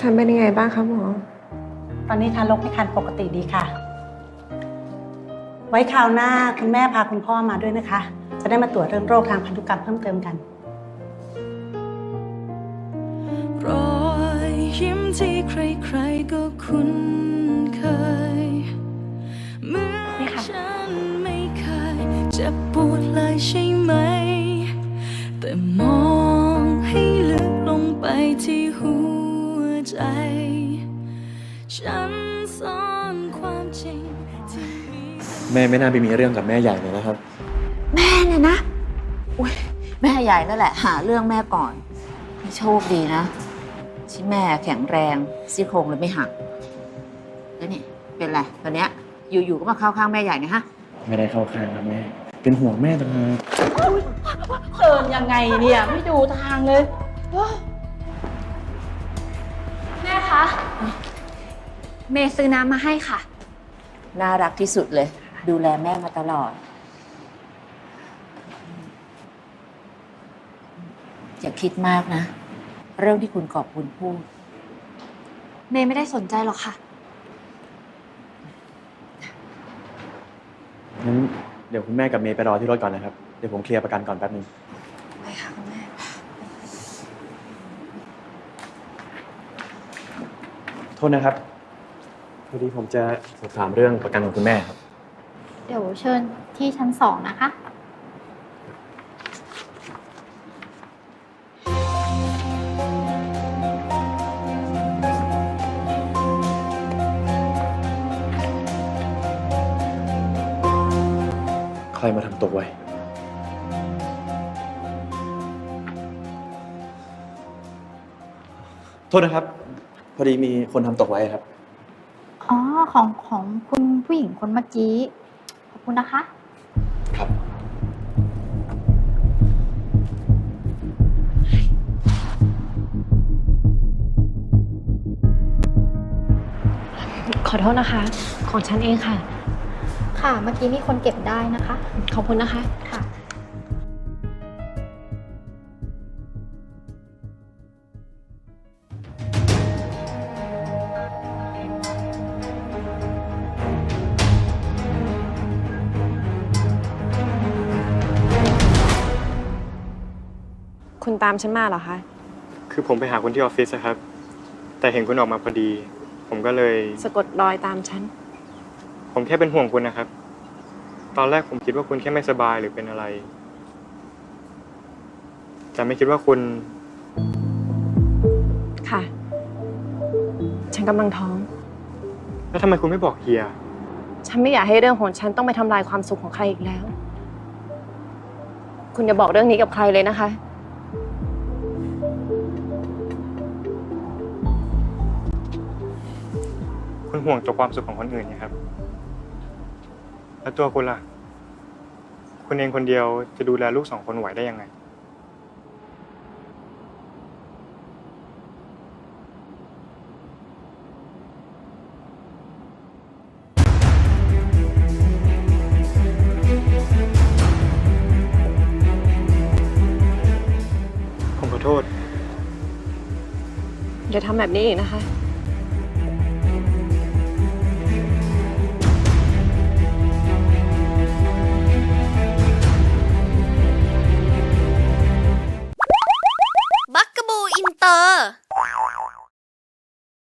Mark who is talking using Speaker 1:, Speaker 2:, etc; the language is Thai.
Speaker 1: ฉันเป็นยังไงบ้างคะหมอ
Speaker 2: ตอนนี้ทารกในครรภ์ปกติดีค่ะ ไว้คราวหน้าคุณแม่พาคุณพ่อมาด้วยนะคะ จะได้มาตรวจเรื่องโรคทางพันธุกรรมเพิ่มเติมกัน
Speaker 3: รอยยิ้มที่ใครๆก็คุ้นเคยเมื่อฉันไม่เคยเจ็บปวดเลยใช่ไหมแต่มองให้ลึกลงไปที่หัวใจฉันซ่อนความจริงที่มี
Speaker 4: แม่ไม่น่าไปมีเรื่องกับแม่ใหญ่เลยนะครับ
Speaker 5: แม่เนี่ยนะอุ้ยแม่ใหญ่นั่นแหละหาเรื่องแม่ก่อนโชคดีนะที่แม่แข็งแรงซี่โครงเลยไม่หักแล้วนี่เป็นไรตอนเนี้ยอยู่ๆก็มาเข้าข้างแม่ใหญ่เนี่ยฮะ
Speaker 4: ไม่ได้เข้าข้างนะแม่เป็นห่วงแม่ต่างหาก
Speaker 5: เดินยังไงเนี่ยไม่ดูทางเลย
Speaker 6: แม่คะเมย์ซื้อน้ำมาให้ค่ะ
Speaker 5: น่ารักที่สุดเลยดูแลแม่มาตลอดอย่าคิดมากนะเรื่องที่คุณกอบคุณพูด
Speaker 6: เมย์ไม่ได้สนใจหรอกค่ะ
Speaker 4: งั้นเดี๋ยวคุณแม่กับเมย์ไปรอที่รถก่อนนะครับเดี๋ยวผมเคลียร์ประกันก่อนแป๊บนึง
Speaker 6: ไปค่ะคุณแม่
Speaker 4: โทษนะครับพอดีผมจะสอบถามเรื่องประกันของคุณแม่ครับ
Speaker 6: เดี๋ยวเชิญที่ชั้น2นะคะ
Speaker 4: ใครมาทำตกไว้โทษนะครับพอดีมีคนทำตกไว้ครับ
Speaker 6: อ๋อของคุณผู้หญิงคนเมื่อกี้ขอบคุณนะคะ
Speaker 4: ครับ
Speaker 1: ขอโทษนะคะของฉันเองค่ะ
Speaker 6: ค่ะเมื่อกี้มีคนเก็บได้นะคะ
Speaker 1: ขอบคุณนะคะ
Speaker 6: ค่ะ
Speaker 1: คุณตามฉันมาเหรอคะ
Speaker 4: คือผมไปหาคุณที่ออฟฟิศนะครับแต่เห็นคุณออกมาพอดีผมก็เลย
Speaker 1: สะกดรอยตามฉัน
Speaker 4: ผมแค่เป็นห่วงคุณนะครับตอนแรกผมคิดว่าคุณแค่ไม่สบายหรือเป็นอะไรแต่ไม่คิดว่าคุณ
Speaker 1: ค่ะฉันกำลังท้อง
Speaker 4: แล้วทำไมคุณไม่บอกเฮีย
Speaker 1: ฉันไม่อยากให้เรื่องของฉันต้องไปทำลายความสุขของใครอีกแล้ว คุณอย่าบอกเรื่องนี้กับใครเลยนะคะ
Speaker 4: คุณห่วงตัวความสุขของคนอื่นนะครับแล้วตัวคุณล่ะคุณเองคนเดียวจะดูแลลูก2 คนไหวได้ยังไงผมขอโทษ
Speaker 1: อย่าทำแบบนี้อีกนะคะ
Speaker 7: บักกะบูอินเตอร์